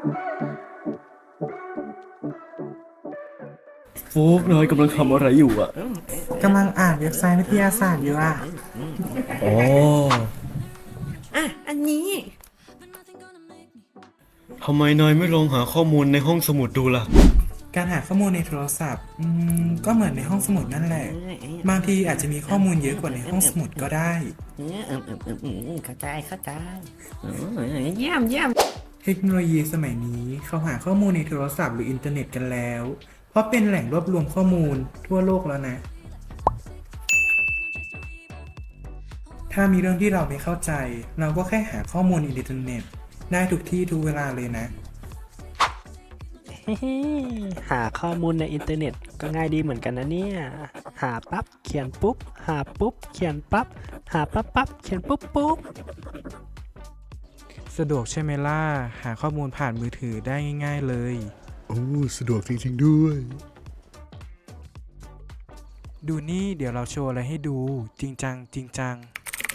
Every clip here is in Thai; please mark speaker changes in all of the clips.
Speaker 1: โฟกนายกำลังทำอะไรอยู่อ่ะ
Speaker 2: กำลังอ่านเว็บไซต์วิทยาศาสตร์อยู่อ่ะ
Speaker 1: อ๋อ
Speaker 3: อันนี้
Speaker 1: ทำไมนายไม่ลองหาข้อมูลในห้องสมุดดูล่ะ
Speaker 2: การหาข้อมูลในโทรศัพท์ก็เหมือนในห้องสมุดนั่นแหละ บางทีอาจจะมีข้อมูลเยอะกว่าในห้องสมุดก็ได้
Speaker 3: เข้าใจเยี่ยม
Speaker 2: เทคโนโลยีสมัยนี้เขาหาข้อมูลในโทรศัพท์หรืออินเทอร์เน็ตกันแล้ว เพราะเป็นแหล่งรวบรวมข้อมูลทั่วโลกแล้วนะ ถ้ามีเรื่องที่เราไม่เข้าใจ เราก็แค่หาข้อมูลในอินเทอร์เน็ตได้ทุกที่ทุกเวลาเลยนะ
Speaker 4: หาข้อมูลในอินเทอร์เน็ตก็ง่ายดีเหมือนกันนะเนี่ย หาปั๊บเขียนปุ๊บ หาปุ๊บเขียนปั๊บ หาปั๊บเขียนปุ๊บ
Speaker 2: สะดวกใช่ไหมล่ะ หาข้อมูลผ่านมือถือได้ง่ายๆเลย
Speaker 5: โอ้สะดวกจริงๆด้วย
Speaker 2: ดูนี่เดี๋ยวเราโชว์อะไรให้ดู จริงจัง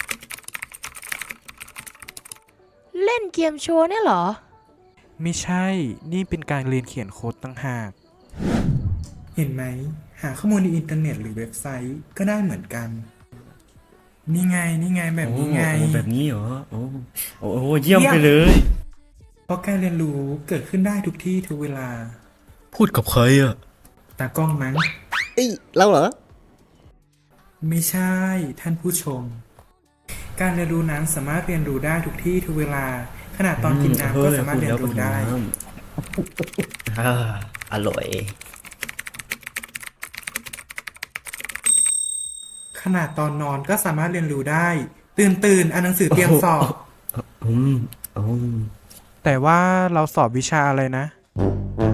Speaker 6: เล่นเกมโชว์เนี่ยเหรอ
Speaker 2: ไม่ใช่ นี่เป็นการเรียนเขียนโค้ดต่างหาก เห็นไหม หาข้อมูลในอินเทอร์เน็ตหรือเว็บไซต์ก็ได้เหมือนกัน นี่ไงแบบนี้ไง
Speaker 1: โอ้แบบนี้เหรอ โอ้เยี่ยมไปเลย
Speaker 2: เพราะการเรียนรู้เกิดขึ้นได้ทุกที่ทุกเวลา
Speaker 1: พูดกับใครอ่ะ
Speaker 2: ตากล้องมั้ง
Speaker 5: เราเหรอ
Speaker 2: ไม่ใช่ ท่านผู้ชม การเรียนรู้นั้นสามารถเรียนรู้ได้ทุกที่ทุกเวลา ขนาดตอนกินน้ำก็สามารถเรียนรู้ได้
Speaker 1: อร่อย
Speaker 2: ขนาดตอนนอนก็สามารถเรียนรู้ได้ ตื่นอ่านหนังสือเตรียมสอบ
Speaker 1: อืม
Speaker 2: แต่ว่าเราสอบวิชาอะไรนะ
Speaker 1: อ